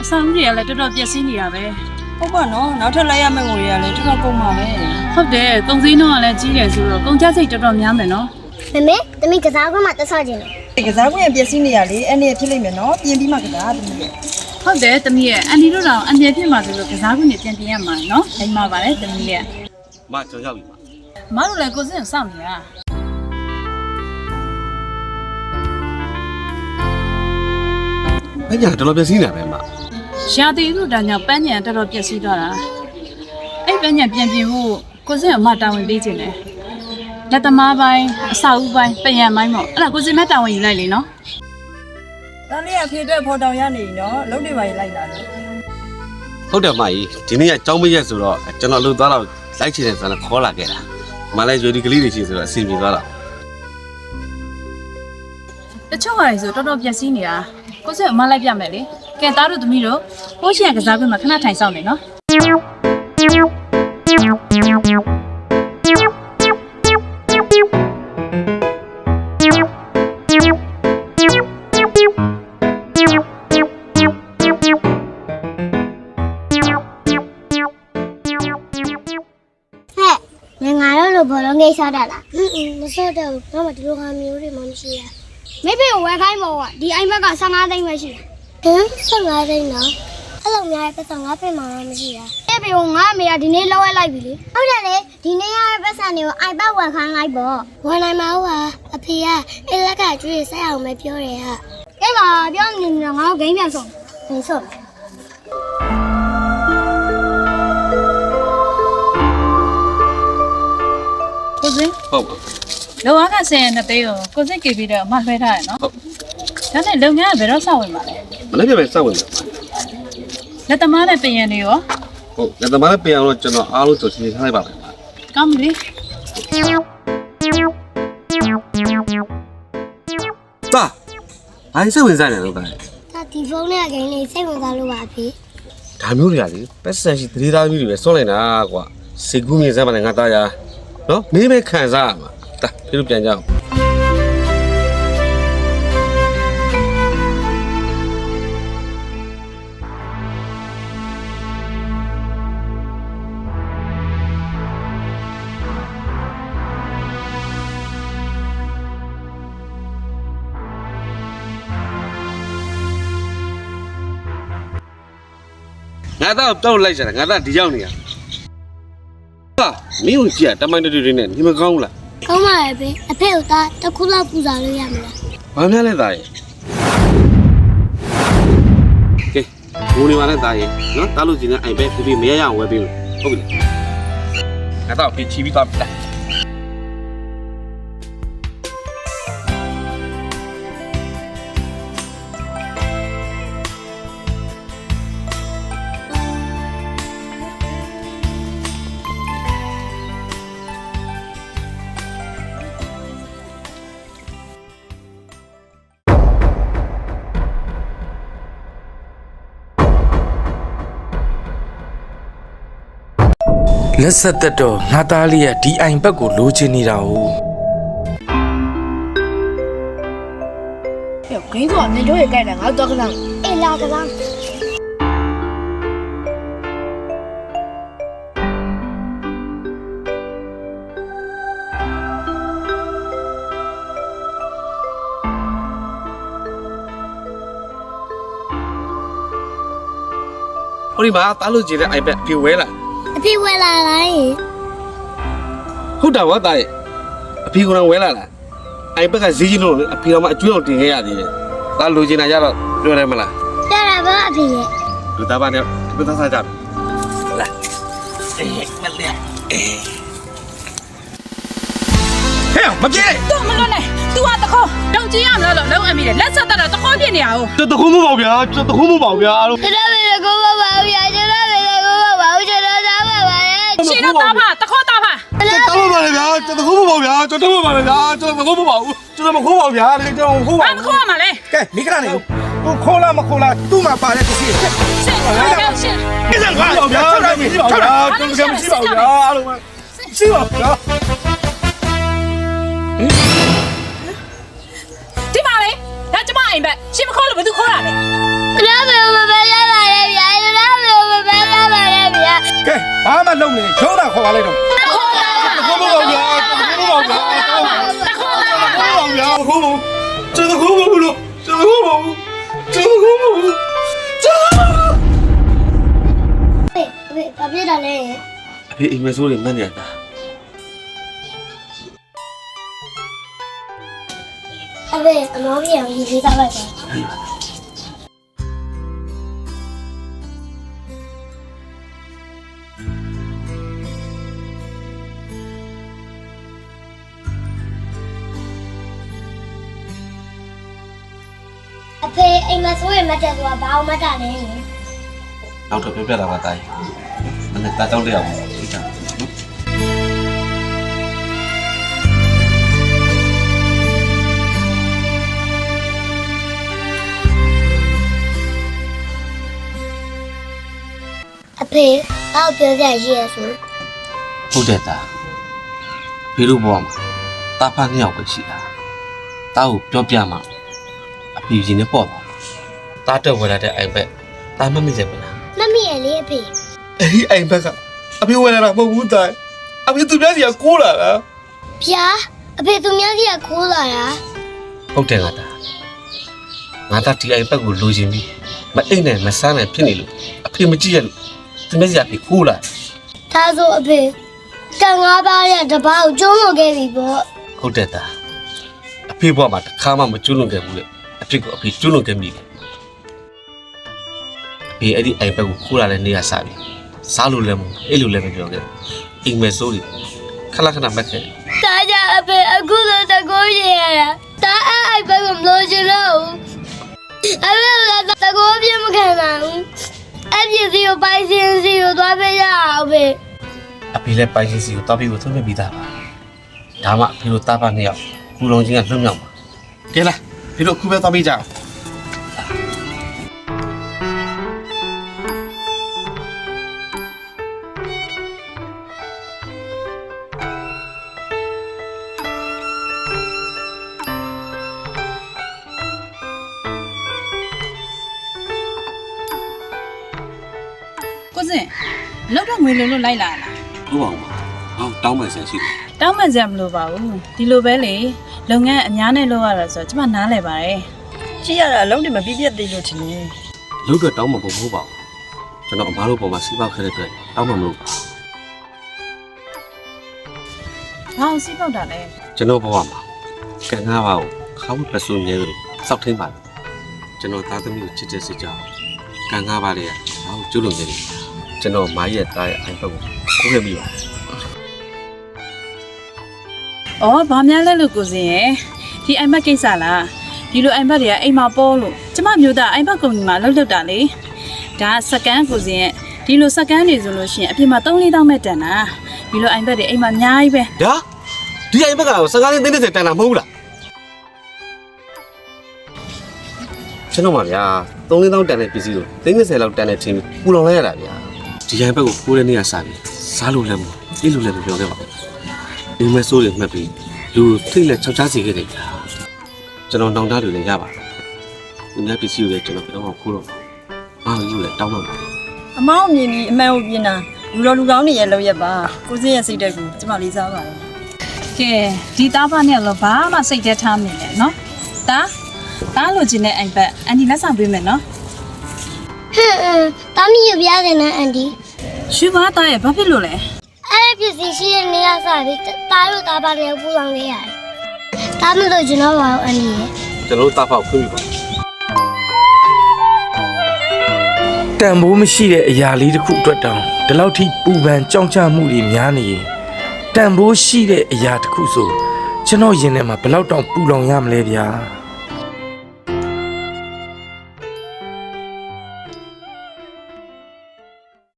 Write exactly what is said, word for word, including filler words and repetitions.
ဆောင်ကြီးကလည်းတော်တော်ပြည့်စည်နေတာပဲဟုတ်ပါနော်နောက်ထပ်လိုက်ရမယ့်ငွေရလည်းတော်တော်ကုန်ပါပဲဟုတ်တယ်ကုန်စည်နှုန်းကလည်းကြီးတယ်ဆိုတော့ကုန်ကျစရိတ်တော်တော်များမယ်နော်မမေသမီးကစားကွင်းမှာတက်ဆော့ခြင်းလေကစားကွင်းရပျက်စီးနေရလေအဲ့နေဖြစ်လိမ့်မယ်နော်ပြင်ပြီးမှကစားသမီးရဲ့ဟုတ်တယ်သမီးရဲ့အန်ဒီတို့တော့အန်ဒီဖြစ်မှာဆိုလို့ကစားကွင်းနဲ့ပြန်ပြင်ရမှာနော်အိမ်မှာပါလေသမီးရဲ့မကျွန်တော်ရောက်ပြီမတို့လည်းကိုစင်စောင့်နေတာဘယ်ညာတော်တော်ပြည့်စည်နေပဲမရှာတီတို့တန်းကြောင့်ပန်းညံတော်တော်ပြည့်စည်သွားတာအဲ့ပန်းညံပြန်ပြင်ဖို့ကိုစင်အမတာဝန်ပေးခြင်းတယ်လက်သမားပိုင်းအစာဦးပိုင်းပယံပိုင်းပေါ့အဲ့ဒါကိုစင်မတာဝန်ယူလိုက်လေနော်တန်းလေးအဖေအတွက်ဖော်တောင်ရနေနော်လုံးတွေပါရေးလိုက်လာတယ်ဟုတ်တယ်မကြီးဒီနေ့ကကြောင်းမရက်ဆိုတော့ကျွန်တော်လှုပ်သွားတော့လိုက်ချင်တယ်ဆိုတော့ခေါ်လာခဲ့တာမလိုက်ရွေဒီကလေးတွေရှိဆိုတော့အစီအပြေသွားတာတချို့ဟာတွေဆိုတော်တော်ပြည့်စည်နေတာကိုစင်အမလိုက်ပြမယ်လေကဲသားတို့သမီးတို့ဟိုးရှင်ကစားကွင်းမှာခဏထိုင်ဆောင်နေနော်ဘောလုံးကိစ္စတာလားအင်းအင်းမစောတော့ဘာမှဒီလိုဟာမျိုးတွေမှမရှိရမေဖေကိုဝယ်ခိုင်းမောကဒီအိမ်ဘက်ကဆယ်ငါးသိန်းပဲရှိတယ်ဟမ်ဆယ်ငါးသိန်းနော်အဲ့လိုများပတ်စံငါဖေမှမရှိရမေဖေကိုငါအမေကဒီနေ့လောက်ရလိုက်ပြီလေဟုတ်တယ်လေဒီနေ့ရတဲ့ပတ်စံတွေကိုအိုက်ပတ်ဝယ်ခိုင်းလိုက်ပေါ့ဝယ်နိုင်မှာဟာအဖေကအဲ့လက်ကကျွေးဆက်အောင်ပဲပြောတယ်ဟာကဲပါပြောနေနေငါ့ကိုဂိမ်းပြန်ဆုံးဟင်းဆုံးကိုစင်ဟုတ်ပါလောကဆယ်နှစ်သိန်းကိုကိုစင်ကေပြီးတော့အမလွှဲထားရနော်ဟုတ်ဒါနဲ့လုပ်ငန်းကဘယ်တော့စဝင်မှာလဲမနေ့ကပဲစဝင်မှာလက်သမားနဲ့ပြင်ရနေရောဟုတ်လက်သမားနဲ့ပြင်အောင်တော့ကျွန်တော်အားလုံးကြိုတင်ထားလိုက်ပါမယ်ကောင်းပြီတာဘာစိတ်ဝင်စားနေလို့ကဲဒါဒီဖုန်းနဲ့ဂိမ်းလေးစိတ်ဝင်စားလို့ပါအဖေဒါမျိုးတွေကလေပတ်စံရှိသတိသားမျိုးတွေပဲစောလိုက်တာကွာစေကူးမြေစမ်းပါနဲ့ငါသားရနော်မင်းပဲခံစားရမှာတာပြေလို့ပြန်ကြအောင်ငါတော့တော့လိုက်ကြတာငါတော့ဒီရောက်နေရဟာမင်းကိုကြည့်တမိုင်းတွေတွေနဲ့ညီမကောင်းလားကောင်းပါရဲ့ဖေအဖေကတခုလောက်ပူစားလို့ရမလားဘာများလဲသားရဲ့ကဲဘိုးနေပါနဲ့သားရဲ့နော်တားလို့စီနဲ့အိုင်ပဲပြပြမရရအောင်ဝယ်ပေးလို့ဟုတ်ပြီငါတော့ပြချီပြီးသွားပြီလားလက်ဆက်သက်တော့ငါသားလေးရဲ့ဒီအိမ်ဘက်ကိုလိုချင်နေတာ哦ဟဲ့ဂိမ်းဆိုတာနေတို့ရဲ့ကြိုက်တယ်ငါတော့ကစားအေးလာကစားဟိုဒီမှာတားလို့ကြည့်တဲ့အိုင်ပဲပြေဝဲလာအဖေဝယ်လာလိုက်ဟုတ်တာဝါသားရဲ့အဖေကတော့ဝဲလာလားအိုင်ဘက်ကဈေးကြီးလို့အဖေကမှအကျွေးအောင်တင်ခဲ့ရသေးတယ်တားလိုချင်တာကြတော့ပြောတယ်မလားပြောတာပါအဖေရဲ့လူသားပါနဲ့ဘယ်သားစားကြလဲအေးမလဲအေးဟဲ့မပြေတော့မလွတ်နဲ့ तू อ่ะတခေါတောင်ကြီးရမလားလို့လုံးအမိတယ်လက်ဆက်တက်တော့တခေါပြစ်နေရအောင်တခုမပေါ့ဗျာတခုမပေါ့ဗျာအားလုံးကျွန်တော်လည်းကိုမပါဘူးကျွန်တော်လည်းကိုမပါဘူးကျွန်တော်သားပါပါရှင်တော့တားပါတခေါတားပါတောင်းပါလေဗျာကျွန်တော်ခိုးမပေါ့ဗျာကျွန်တော်မပါလေဗျာကျွန်တော်မခိုးမပါဘူးကျွန်တော်မခိုးပါဗျာလေကျွန်တော်ခိုးပါဘာမခိုးရမှာလဲကဲမိခရနေသူခိုးလားမခိုးလားသူ့မှာပါတဲ့ပစ္စည်းရှင်ရှင်ဒီစံကွာဗျာကျွန်တော်မရှိပါဘူးဗျာကျွန်တော်မရှိပါဘူးဗျာအားလုံးရှိပါဗျာဒီပါလေဒါကျမအိမ်ဘက်ရှင်မခိုးလို့ဘယ်သူခိုးတာလဲဘယ်လိုပဲမပဲရပါလဲသွားလိုက်တော့ခေါ်ပါဗျာခေါ်ပါဗျာခေါ်ပါဗျာခေါ်ပါကျွန်တော်ခေါ်ပါဘူးလို့ကျွန်တော်ခေါ်ပါဘူးကျွန်တော်ခေါ်ပါဘူးကျွန်တော်ဖေဖေဘာဖြစ်တာလဲအဖေအိမ်မဆိုးတွေမှတ်နေရတာအဖေအမောကြီးအောင်ရေးသားလိုက်ပါအဖေအိမ်မှာဆိုရင်မတက်သွားဘာအောင်မတက်လဲနောက်တော့ပြောပြတာပါတာကြီးမနေ့တာကြောက်တဲ့အောင်သိတာအဖေအောက်ပြောပြရည်ရဆိုဟုတ်တယ်တာဖေတို့ဘဝမှာတာဖာနှစ်ယောက်ပဲရှိတာတာကိုပြောပြမှာအဖေရင်နဲ့ပေါ့ပါတာတက်ဝယ်လာတဲ့အိမ်ဘက်တာမမိစေဘူးလားမမီရလေအဖေအဲ့ဒီအိမ်ဘက်ကအဖေဝယ်လာတာမဟုတ်ဘူးတာအဖေသူများစီကကိုးလာတာဗျာအဖေသူများကြီးကခိုးလာတာဟုတ်တယ်ငါတာငါတာဒီအိမ်ဘက်ကိုလိုချင်ပြီးမအိမ်နဲ့မဆန်းနဲ့ဖြစ်နေလို့အဖေမကြည့်ရလို့သူများစီကအဖေကိုးလာဒါဆိုအဖေတန်ငါးပါးရဲ့တပားကိုကျုံးလို့ခဲ့ပြီပေါ့ဟုတ်တယ်တာအဖေဘဝမှာတစ်ခါမှမကျွလွန်ခဲ့ဘူးလေအဖေကအဖေကျွလွန်ခဲ့မိတယ်အဖေအဲ့ဒီအိမ်ဘက်ကိုခိုးလာတဲ့နေရာစပြီစားလို့လည်းမအဲ့လိုလည်းမပြောခဲ့အိမ်မဲစိုးတွေခဏခဏမက်ခဲ့ဒါကြအဖေအခုလိုတကိုးရရတာဒါအဲ့အိုက်ဘက်ကမလို့ချင်တော့ဘူးအဖေကတကိုးပြမခံနိုင်ဘူးအဲ့ဒီစီကိုပိုင်စင်စီကိုသွားပေးရအောင်ဖေအဖေလည်းပိုင်ရှင်စီကိုတောက်ပြီးကိုသွင်းပြပြီးသားပါဒါမှအဖေတို့တားပါနှစ်ယောက်ကူလုံးချင်းကလွတ်မြောက်ပါကဲလားဖေတို့အခုပဲတောက်ပြီးကြအောင်ကိုစင်လောက်တော့ငွေလုံးလို့လိုက်လာလားဟုတ်ပါဘူးဟောတောင်းမှဆန်ရှိတယ်တောင်းမှန်စရာမလိုပါဘူးဒီလိုပဲလေလုပ်ငန်းအများနဲ့လုပ်ရတာဆိုတော့ကျမနားလဲပါတယ်ကြည့်ရတာအလုံးတွေမပြည့်ပြည့်သေးလို့ထင်တယ်လို့တော့တောင်းမှမဟုတ်ပါဘူးကျွန်တော်အမားတို့ပေါ်မှာစီးပေါက်ခဲ့တဲ့အတွက်တောင်းမှမလို့ဘာအောင်စီးပေါက်တာလဲကျွန်တော်ဘဝမှာကံငါးပါးကိုခါဝတ်ပစုံရဲလို့စောက်ထင်းပါတယ်ကျွန်တော်သားသမီးကိုချစ်တဲ့စိတ်ကြောင့်ကံငါးပါးလေးကဘာလို့ကျွလွန်နေလဲကျွန်တော်မာရဲ့သားရဲ့အိမ်ဘက်ကိုကိုးခဲ့မိပါတယ်ဩဘာများလဲလို့ကိုစင်ရဲ့ဒီအိမ်မက်ကိစ္စလားဒီလိုအိမ်မက်တွေကအိမ်မှာပေါ်လို့ကျမမျိုးသားအိမ်မက်ကုမ္ပဏီမှာလှုပ်လှုပ်တာလေဒါစကန်ကိုစင်ရဲ့ဒီလိုစကန်တွေဆိုလို့ရှိရင်အပြင်မှာ သုံးလေးတောင်းမဲ့တန်တာဒီလိုအိမ်မက်တွေအိမ်မှာအများကြီးပဲဒါဒီအိမ်ဘက်ကစကားလေးတင်းတင်းတန်တာမဟုတ်လားကျွန်တော်ပါဗျာသုံးလေးတောင်းတန်တဲ့ပစ္စည်းကိုသိန်း၂၀လောက်တန်တဲ့ချင်းပူလောင်လိုက်ရတာဗျာဒီအိမ်ဘက်ကိုခိုးတဲ့နေရာစားပြီးစားလို့လည်းမပြေးလို့လည်းမပြောခဲ့ပါဘူးအိမ်မဲဆိုးတွေမှတ်ပြီးလူထိတ်လက်ချောက်ချားစီခဲ့တယ်ဗျာကျွန်တော်တောင်းတတွေလည်းရပါတယ်ဒီနေ့ပစ္စည်းတွေကျွန်တော်ကတော့ခိုးတော့ဘာလို့ယူလဲတောင်းတော့အမောင်းမြင်ပြီးအမှန်ကိုပြင်တာလူတော်လူကောင်းတွေရဲ့လောက်ရက်ပါကိုစင်းရဲ့စိတ်တက်ကိုကျမလေးစားပါတယ်ကဲဒီသားဖားနဲ့တော့ဘာမှစိတ်ထဲထားမနေနဲ့နော်ဒါသားလိုချင်တဲ့အိမ်ဘက်အန်ဒီလက်ဆောင်ပေးမယ်နော်ဟမ်အင်းတမီးရပြတယ်နော်အန်ဒီရှူပါသားရဲ့ဘာဖြစ်လို့လဲအဲ့ဒီပစ္စည်းရှိတဲ့နေရာစားပြီးတားလို့တားပါနဲ့ပူလောင်ခဲ့ရတယ်ဒါမလို့ကျွန်တော်ပါအန်ဒီရဲ့ကျွန်တော်တားဖောက်ခွင့်ပြုပါတန်ဖိုးမရှိတဲ့အရာလေးတစ်ခုအတွက်တောင်ဒီလောက်ထိပူပန်ကြောက်ကြမှုတွေများနေရင်တန်ဖိုးရှိတဲ့အရာတစ်ခုဆိုကျွန်တော်ရင်ထဲမှာဘယ်လောက်တောင်ပူလောင်ရမလဲဗျာ